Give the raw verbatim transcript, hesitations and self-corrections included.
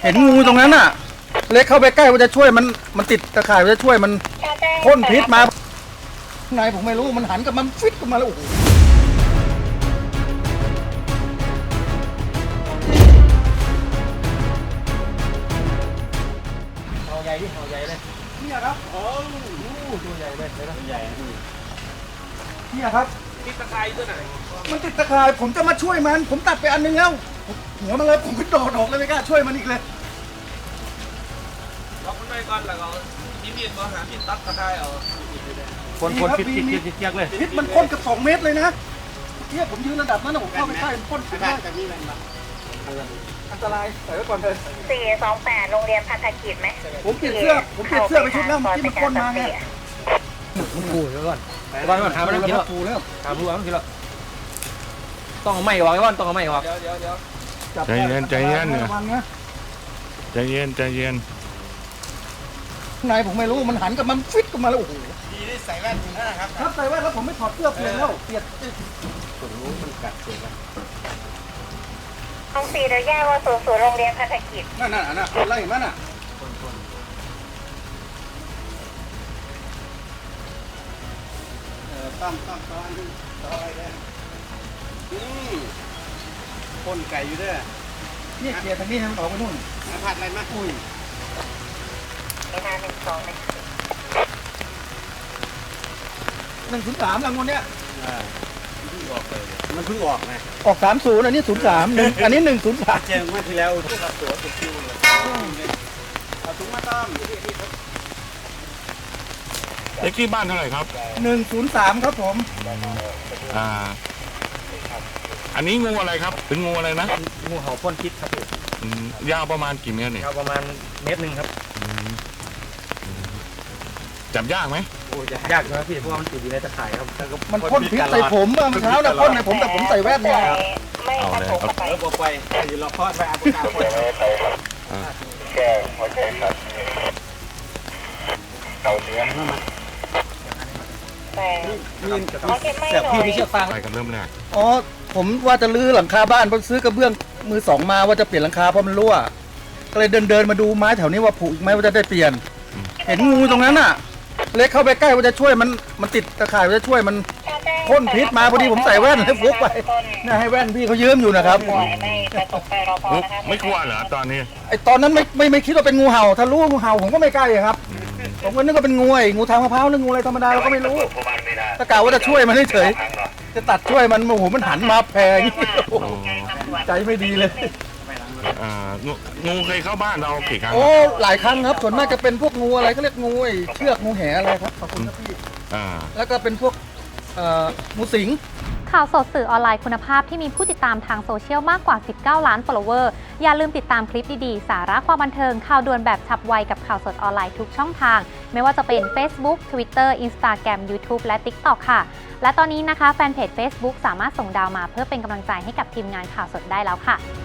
เห็นงูตรงนั้นน่ะเล็กเข้าไปใกล้ว่าจะช่วยมันมันติดตะข่ายว่าจะช่วยมันพ่นพิษมาข้างในผมไม่รู้มันหันกับมันฟิตกันมาแล้วโอ้โหเอาใหญ่ดิเอาใหญ่เลยเนี่ยครับโอ้ตัวใหญ่เลยเลยนะใหญ่เนี่ยครับติดตะข่ายตัวไหนมันติดตะข่ายผมจะมาช่วยมันผมตัดไปอันนึงแล้วหัวมันเลยผมก็โดดออกเลยไม่กล้าช่วยมันอีกเลยล็อกมันไปก่อนแล้วก็มีมีดมาหามีดตัดตะไคร้เอาคนคนพิษพิษพิษเจี๊ยกเลยพิษมันพ่นกับสองเมตรเลยนะเนี่ยผมยืนระดับนั้นนะผมเข้าไปใกล้มันพ่นพิษได้อันตรายใส่ไว้ก่อนเลยสี่สองแปดโรงเรียนพันธกิจไหมผมเปลี่ยนเสื้อผมเปลี่ยนเสื้อไปชุดแล้วที่มันพ่นมาไงมันกูเดี๋ยวก่อนก่อนก่อนหามันกินแล้วกูแล้วหาผู้ว่ามันกินแล้วต้องเอาไม้ออกไอ้วันต้องเอาไม้ออกเดี๋ยวเดี๋ยวเดี๋ยวใจเย็นใจเย็นเนี่ยใจเย็นใจเย็นข้างในผมไม่รู้มันหันกับมันฟิตกันมาแล้วโอ้โหดีที่ใส่แว่นถึงห้าครับครับใส่แว่นแล้วผมไม่ถอดเสื้อเปลี่ยนแล้วเปลี่ยนส่วนรู้มันกัดเจ็บห้องสี่เดี๋ยวแยกว่าสู่สู่โรงเรียนพันธกิจนั่นน่ะน่ะคนไล่มันน่ะตั้มตั้มตั้มต่ออะไรเนี่ยอืมพ่นไก่อยู่ด้วยนี่เกลียร์ทางนี้ให้มันออกไปนู่นผัดอะไรมาอุ้ยเวลาหนึ่งสองหนึ่งหนึ่งศูนย์สามรางวัลเนี้ยมันเพิ่งออกไงออกสามศูนย์อันนี้ศูนย์สามหนึ่งอันนี้หนึ่งศูนย์สามเจอมาที่แล้วตัวตัวติดคิวเลยเอาถุงมาต้อมเลขที่บ้านเท่าไหร่ครับหนึ่งศูนย์สามครับผมอ่าอันนี้งูอะไรครับเป็นงูอะไรนะงูเห่าพ่นพิษครับยาวประมาณกี่เมตรเนี่ยยาวประมาณเมตรหนึ่งครับจับยากไหมโอ้ยยากนะพี่เพราะว่ามันติดอยู่ในตะข่ายครับมันพ่นพิษใส่ผมเมื่อเช้าน่ะพ่นในผมแต่ผมใส่แว่นเนี่ยไม่กระโถกไปแล้วบอกไปอยู่รอคอดไปอาบุกาไปแก้หัวใจครับเต่าเนื้อแต่เสียบพี่ไม่เชื่อฟังไปกันเริ่มแรกอ๋อผมว่าจะลื้อหลังคาบ้านเพราะซื้อกระเบื้องมือสองมาว่าจะเปลี่ยนหลังคาเพราะมันรั่วก็เลยเดินเดินมาดูไม้แถวนี้ว่าผุอีกไหมว่าจะได้เปลี่ยนเห็นงูตรงนั้นน่ะเล็กเข้าไปใกล้ว่าจะช่วยมันมันติดตะข่ายว่าจะช่วยมันพ่นพิษมาพอดีผมใส่แว่นให้ฟุกไปนี่ให้แว่นพี่เขายืมอยู่นะครับไม่กลัวเหรอตอนนี้ไอตอนนั้นไม่ไม่ไม่คิดว่าเป็นงูเห่าถ้ารู้งูเห่าผมก็ไม่ใกล้ครับผมก็นึกว่าเป็นงูไอ้งูทางมะพร้าวหรืองูอะไรธรรมดาเราก็ไม่รู้ตะกาว่าจะช่วยมันเฉยจะตัดช่วยมันโอ้โหมันหันมาแพงใจไม่ดีเลยงูเคยเข้าบ้านเรากี่ครั้งโอ้หลายครั้งครับส่วนมากจะเป็นพวกงูอะไรเขาเรียกงูไอ้เชือกงูแหอะไรครับขอบคุณครับพี่แล้วก็เป็นพวกงูสิงข่าวสดสื่อออนไลน์คุณภาพที่มีผู้ติดตามทางโซเชียลมากกว่าสิบเก้าล้าน follower อย่าลืมติดตามคลิปดีๆสาระความบันเทิงข่าวด่วนแบบฉับไวกับข่าวสดออนไลน์ทุกช่องทางไม่ว่าจะเป็น Facebook Twitter Instagram YouTube และ TikTok ค่ะและตอนนี้นะคะแฟนเพจ Facebook สามารถส่งดาวมาเพื่อเป็นกำลังใจให้กับทีมงานข่าวสดได้แล้วค่ะ